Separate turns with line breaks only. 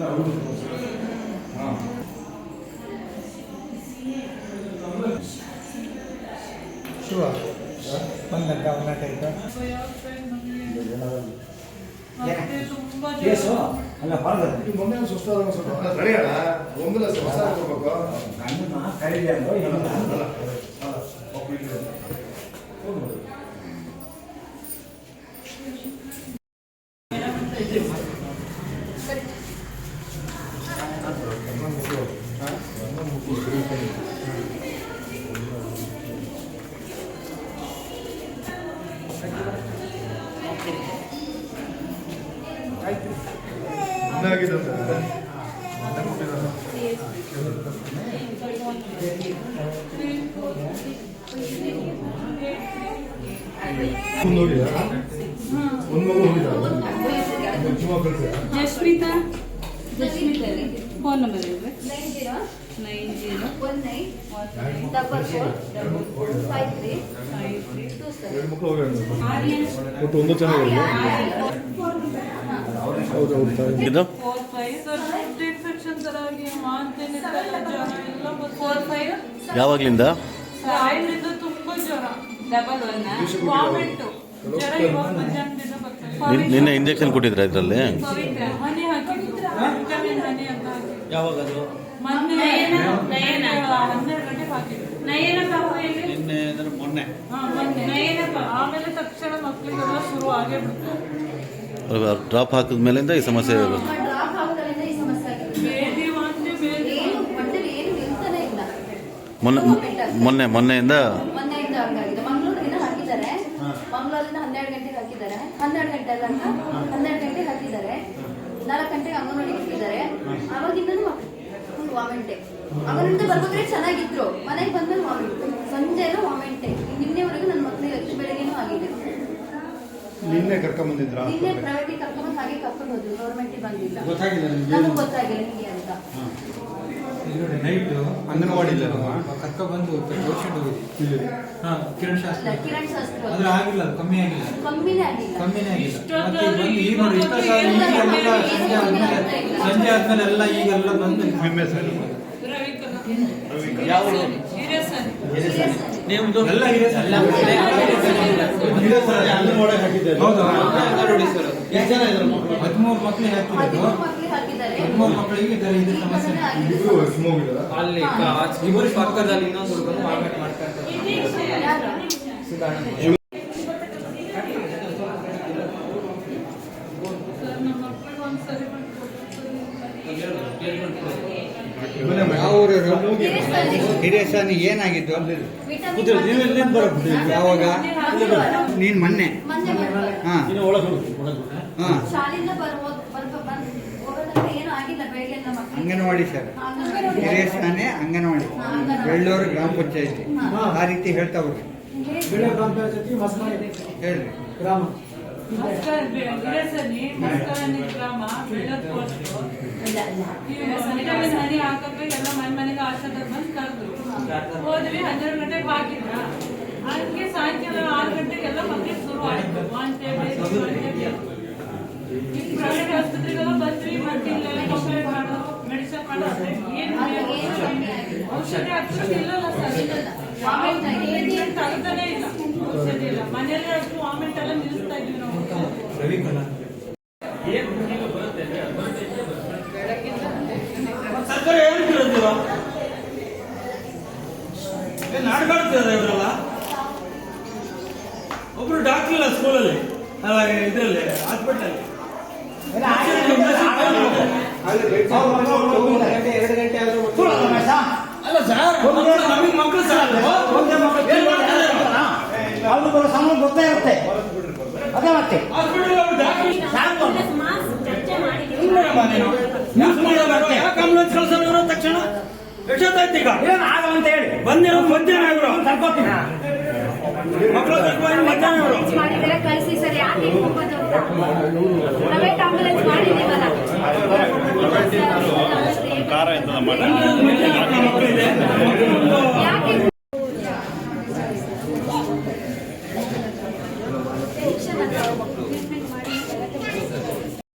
Sure. One type.
Case ಅಲ್ಲ ಹೊರಗಡೆ
ಮೊನ್ನೆ ಸುಸ್ತಾದ ಸ್ವಲ್ಪ ನಡೆಯಲ್ಲ ಒಂದಲ್ಲ ಹೊಸ ಕೊಡ್ಬೇಕು
ಗಂಡನ ಕರೀಲಿ ಅಂದ್ರು
जस्मिता फोन नंबर 90
ಯಾವಾಗ್ಲಿಂದ
ತುಂಬಾ ಜ್ವರ ಡಬಲ್ ವಾಮಿಟ್ ಜ್ವರ ಇವಾಗ ಮಧ್ಯಾಹ್ನದಿಂದ ಬರ್ತದೆ.
ನಿನ್ನೆ ಇಂಜೆಕ್ಷನ್ ಕೊಟ್ಟಿದ್ರ ಇದರಲ್ಲಿ?
ಹನಿ ಹಾಕಿದ್ರು ವಿಟಮಿನ್ ಹನಿ ಅಂತ ಹಾಕಿದ್ರು.
ಯಾವಾಗ ಅದು?
ಮೊನ್ನೆ 12 ಗಂಟೆಗೆ ಹಾಕಿದ್ರು.
ನಿನ್ನೆ ಅಂದ್ರೆ ಮೊನ್ನೆ.
ಆಮೇಲೆ ತಕ್ಷಣ ಮಕ್ಕಳಿಗೆಲ್ಲ ಶುರು ಆಗೇ ಬಿಡ್ತು.
ಡ್ರಾಪ್ ಹಾಕಿದ ಮೇಲಿಂದ ಈ ಸಮಸ್ಯೆ ಇರೋದು. ಮೊನ್ನೆಯಿಂದ
ಹಂಗಾಗಿದೆ. ಮಂಗಳೂರಿನ ಹಾಕಿದ್ದಾರೆ, ಮಂಗಳೂರಿಂದ 12 ಗಂಟೆಗೆ ಹಾಕಿದ್ದಾರೆ, 12 ಗಂಟೆ ಅಲ್ಲ 12 ಗಂಟೆಗೆ ಹಾಕಿದ್ದಾರೆ, 4 ಗಂಟೆಗೆ ಅಂಗನವಾಡಿಗೆ ಹಾಕಿದ್ದಾರೆ. ಆವಾಗಿಂದನೂ ಫುಲ್ ವಾಮಿಂಟೆ. ಅಂಗನವಾಡಿಯಿಂದ ಬರ್ಬೇಕಾದ್ರೆ ಚೆನ್ನಾಗಿದ್ರು, ಮನೆಗೆ ಬಂದ್ಮೇಲೆ ವಾಮಿಂಟ್, ಸಂಜೆ ಎಲ್ಲ ವಾಮಿಂಟೆ. ನಿನ್ನೆವರೆಗೂ ನನ್ನ ಮಕ್ಕಳಿಗೆ ಎಷ್ಟು ಬೆಳಗ್ಗೆನೂ ಆಗಿದೆ.
ನಿನ್ನೆ ಕರ್ಕೊಂಡ್ ಬಂದಿದ್ರ?
ನಿನ್ನೆ ಪ್ರೈವೇಟಿಗೆ ಕರ್ಕೊಂಡು ಹಾಗೆ ಕರ್ಕೊಂಡು ಹೋದ್ರು, ಗೌರ್ಮೆಂಟಿಗೆ ಬಂದಿಲ್ಲ. ನಮಗೆ ಗೊತ್ತಾಗಿಲ್ಲ ನಿಮಗೆ ಅಂತ.
ನೈಟ್ ಅಂಗನವಾಡಿ ಕರ್ಕ ಬಂದು ಪೇಷಂಟ್ ಹೋಗಿದ್ವಿ. ಕಿರಣ್ ಶಾಸ್ತ್ರ ಅದ್ರ ಆಗಿಲ್ಲ, ಕಮ್ಮಿ ಆಗಿಲ್ಲ, ಕಮ್ಮಿನೇ ಆಗಿಲ್ಲ. ಮತ್ತೆ ಬಂದು ಈಗ ನೋಡಿ ಸಂಜೆ ಆದ್ಮೇಲೆ ಎಲ್ಲ ಈಗೆಲ್ಲ ಬಂದು ನಿಮ್ದು ಎಲ್ಲ ಹೌದು. 13 ಮಕ್ಕಳಿಗೆ ಹಾಕಿದ್ದಾರೆ, 13 ಮಕ್ಕಳಿಗೆ ಇದು ಸಮಸ್ಯೆ. ಅಲ್ಲಿ ಇಬ್ಬರು ಪಕ್ಕದಲ್ಲಿ ಇನ್ನೊಂದು ಹುಡುಗನು ವಾಮಿಟ್ ಮಾಡ್ತಾ ಇರ್ತಾರೆ. ಹಿರಿಯಸ್ವಾಮಿ ಏನಾಗಿದ್ದು? ಯಾವಾಗ? ನೀನ್ ಮೊನ್ನೆ ಅಂಗನವಾಡಿ ಸರ್, ಹಿರಿಯಸ್ವಾಮಿ ಅಂಗನವಾಡಿ, ಬೆಳ್ಳೂರು ಗ್ರಾಮ ಪಂಚಾಯತಿ ಆ ರೀತಿ ಹೇಳ್ತಾ ಹೋಗ್ರಿ. ಹೇಳ್ರಿ ಗ್ರಾಮ
ಹನಿ ಹಾಕಕ್ಕೆ ಎಲ್ಲ ಮನೆಗೆ ಆಶಾದ ಬಂದು ಕರೆದ್ರು. ಹೋದ್ವಿ, 12 ಗಂಟೆಗೆ ಹಾಕಿದ್ರ. ಹಂಗೆ ಸಾಯಂಕಾಲ 6 ಗಂಟೆಗೆಲ್ಲ ಮಕ್ಕಳಿಗೆ ಶುರು ಆಯ್ತು. ಪ್ರೈವೇಟ್ ಆಸ್ಪತ್ರೆಗೆಲ್ಲ ಬಂದ್ವಿ, ಮತ್ತಿಲ್ಲ ಕಂಪ್ಲೇಂಟ್ ಮಾಡೋದು, ಮೆಡಿಸಿನ್ ಮಾಡೋದು, ಏನು ಔಷಧಿ ಅಕ್ಷರ ಇಲ್ಲಲ್ಲ ಸರ್. ತಗತಾನೆ ಇಲ್ಲ ಔಷಧಿ ಇಲ್ಲ. ಮನೆಯಲ್ಲೇ ಅಷ್ಟು ವಾಮಿಂಟ್ ಎಲ್ಲ ನಿಲ್ಲಿಸ್ತಾ ಇದ್ವಿ ನಾವು.
ಸರ್ಕಾರ ಹೇಳ್ತಿರೋದಿಲ್ಲ, ನಾಡ್ಕಾಡ್ತಿರೋದು ಇವರೆಲ್ಲ. ಒಬ್ರು ಡಾಕ್ಟರ್ ಇಲ್ಲ ಸ್ಕೂಲಲ್ಲಿ, ಅಲ್ಲ ಇದರಲ್ಲಿ ಹಾಸ್ಪಿಟಲ್. ಅಲ್ಲ ಸರ್, ನಮಗೆ ಮಕ್ಕಳು ಸರ್
ಸಮಯ ಗೊತ್ತಾಗುತ್ತೆ. ಅದೇ ಮತ್ತೆ
ಆಂಬುಲೆನ್ಸ್ ಕಳ್ಸೋರು ತಕ್ಷಣ ಎಷ್ಟೊತ್ತಾಯ್ತು ಈಗ
ಆಗಲ್ಲ ಅಂತ ಹೇಳಿ
ಬಂದಿರೋ ಮಧ್ಯಾಹ್ನ ಇವರು ಕರ್ಕೋತೀನಿ ಮಕ್ಕಳು ಮಧ್ಯಾಹ್ನ ಇವರು
ಕಳಿಸಿ ಸರ್. ಯಾಕೆ ಪ್ರೈವೇಟ್ ಆಂಬುಲೆನ್ಸ್